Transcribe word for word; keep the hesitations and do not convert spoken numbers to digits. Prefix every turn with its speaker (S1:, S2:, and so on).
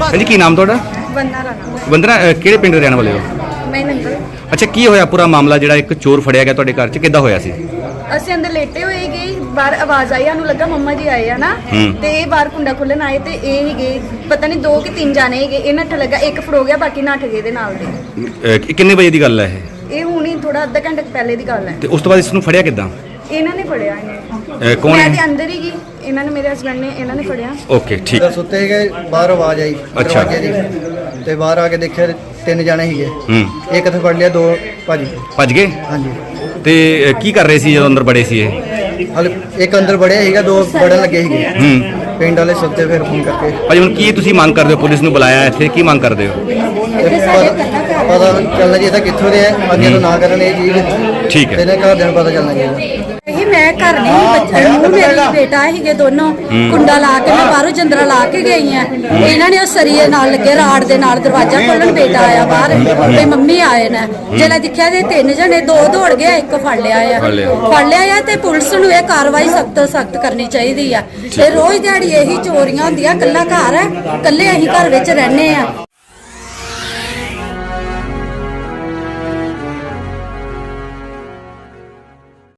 S1: ਹਾਂਜੀ ਕੀ ਨਾਮ ਤੁਹਾਡਾ?
S2: ਵੰਦਨਾ ਰਾਣਾ।
S1: ਵੰਦਨਾ ਅ, ਕਿਹੜੇ ਪਿੰਡ ਦੇ ਰਹਿਣ ਵਾਲੇ ਹੋ?
S2: ਮੈਂ ਨੰਗਲ।
S1: ਅੱਛਾ ਕੀ ਹੋਇਆ ਪੂਰਾ ਮਾਮਲਾ ਜਿਹੜਾ ਇੱਕ ਚੋਰ ਫੜਿਆ ਗਿਆ ਤੁਹਾਡੇ ਘਰ 'ਚ ਕਿੱਦਾਂ ਹੋਇਆ ਸੀ?
S2: ਅਸੀਂ ਅੰਦਰ ਲੇਟੇ ਹੋਏ ਗਏ, ਬਾਹਰ ਆਵਾਜ਼ ਆਈ, ਸਾਨੂੰ ਲੱਗਾ ਮੰਮਾ ਜੀ ਆਏ ਆ ਨਾ,
S1: ਹੂੰ।
S2: ਤੇ ਇਹ ਬਾਹਰ ਕੁੰਡਾ ਖੋਲਣ ਆਏ ਤੇ ਇਹ ਹੀ ਗਏ, ਪਤਾ ਨਹੀਂ ਦੋ ਕਿ ਤਿੰਨ ਜਾਣੇ ਹੈਗੇ, ਇਹ ਨੱਠ ਲੱਗਾ, ਇੱਕ ਫੜੋ ਗਿਆ, ਬਾਕੀ ਨੱਠ ਗਏ ਦੇ ਨਾਲ ਦੇ।
S1: ਅ, ਕਿੰਨੇ ਵਜੇ ਦੀ ਗੱਲ ਹੈ ਇਹ?
S2: ਇਹ ਹੁਣੀ ਥੋੜਾ ਅੱਧਾ ਘੰਟੇ ਕੁ ਪਹਿਲੇ ਦੀ ਗੱਲ ਹੈ।
S1: ਤੇ ਉਸ ਤੋਂ ਬਾਅਦ ਇਸ ਨੂੰ ਫੜਿਆ ਕਿੱਦਾਂ?
S2: ਇਹਨਾਂ ਨੇ ਫੜਿਆ ਇਹਨੇ।
S1: ਅ, ਕੌਣ
S2: ਮੈਂ ਤੇ
S1: ਹੈ?
S2: ਅੰਦਰ ਹੀ ਗਈ, ਇਹਨਾਂ ਨੇ ਮੇਰੇ ਹਸਬੰਡ ਨੇ ਇਹਨਾਂ ਨੇ ਫੜਿਆ।
S1: ਓਕੇ ਠੀਕ।
S3: ਤਾਂ ਸੁੱਤੇ ਗਏ, ਬਾਹਰ ਆਵਾਜ਼ ਆਈ
S1: ਅੱਛਾ।
S3: ਦਰਵਾਜ਼ੇ ਦੀ, ਤੇ ਬਾਹਰ ਆ ਕੇ ਦੇਖਿਆ ਤਿੰਨ ਜਾਣੇ ਸੀਗੇ।
S1: ਹੂੰ।
S3: ਇੱਕ ਇੱਥੇ ਫੜ ਲਿਆ, ਦੋ ਭੱਜ ਗਏ।
S1: ਭੱਜ ਗਏ?
S3: ਹਾਂਜੀ।
S1: ਤੇ ਅ, ਕੀ ਕਰ ਰਹੇ ਸੀ ਜਦੋਂ ਅੰਦਰ ਬੜੇ ਸੀ ਇਹ?
S3: ਹਲ ਇੱਕ ਅੰਦਰ ਵੜਿਆ ਸੀਗਾ, ਦੋ ਵੜਨ ਲੱਗੇ ਸੀਗੇ।
S1: ਹੂੰ।
S3: ਪਿੰਡ ਵਾਲੇ ਸੁੱਤੇ, ਫਿਰ ਫੋਨ ਕਰਕੇ
S1: ਭਾਜੀ ਹੁਣ ਕੀ ਤੁਸੀਂ ਮੰਗ ਕਰਦੇ ਹੋ? ਪੁਲਿਸ ਨੂੰ ਬੁਲਾਇਆ ਇੱਥੇ, ਕੀ ਮੰਗ ਕਰਦੇ ਹੋ?
S3: ਤੇ ਪਤਾ ਪਤਾ ਚੱਲਣਾ ਚਾਹੀਦਾ ਕਿੱਥੋਂ ਦੇ ਆ, ਅੱਗੇ ਤੋਂ ਨਾ ਕਰਨ ਇਹ ਚੀਜ਼।
S1: ਠੀਕ ਹੈ।
S3: ਤੇ ਇਹਨਾਂ ਘਰਦਿਆਂ ਨੂੰ ਪਤਾ ਚੱਲਣਾ ਚਾਹੀਦਾ।
S4: ਇਹ ਮੈਂ ਘਰ ਨਹੀਂ ਸੀ, ਬੱਚੇ ਨੂੰ ਮੇਰੀ ਬੇਟਾ ਸੀਗੇ ਦੋਨੋਂ, ਕੁੰਡਾ ਲਾ ਕੇ ਮੈਂ ਬਾਹਰੋਂ ਜੰਦਰਾ ਲਾ ਕੇ ਗਈ ਆ। ਇਹਨਾਂ ਨੇ ਉਹ ਸਰੀਏ ਨਾਲ ਲੱਗੇ ਰਾੜ ਦੇ ਨਾਲ ਦਰਵਾਜ਼ਾ ਖੋਲਣ, ਬੇਟਾ ਆਇਆ ਬਾਹਰ ਤੇ ਮੰਮੀ ਆਏ ਨੇ। ਜਿਹੜਾ ਦੇਖਿਆ ਤੇ ਤਿੰਨ ਜਣੇ, ਦੋ ਦੌੜ ਗਿਆ, ਇੱਕ ਫੜ ਲਿਆ ਆ
S1: ਫੜ ਲਿਆ।
S4: ਫੜ ਲਿਆ ਆ। ਤੇ ਪੁਲਿਸ ਨੂੰ ਇਹ ਕਾਰਵਾਈ ਸਖਤ ਤੋਂ ਸਖਤ ਕਰਨੀ ਚਾਹੀਦੀ ਆ। ਤੇ ਰੋਜ਼ ਦਿਹਾੜੀ ਇਹੀ ਚੋਰੀਆਂ ਹੁੰਦੀਆਂ, ਕੱਲਾ ਘਰ ਹੈ, ਕੱਲੇ ਅਸੀਂ ਘਰ ਵਿੱਚ ਰਹਿੰਦੇ ਆ।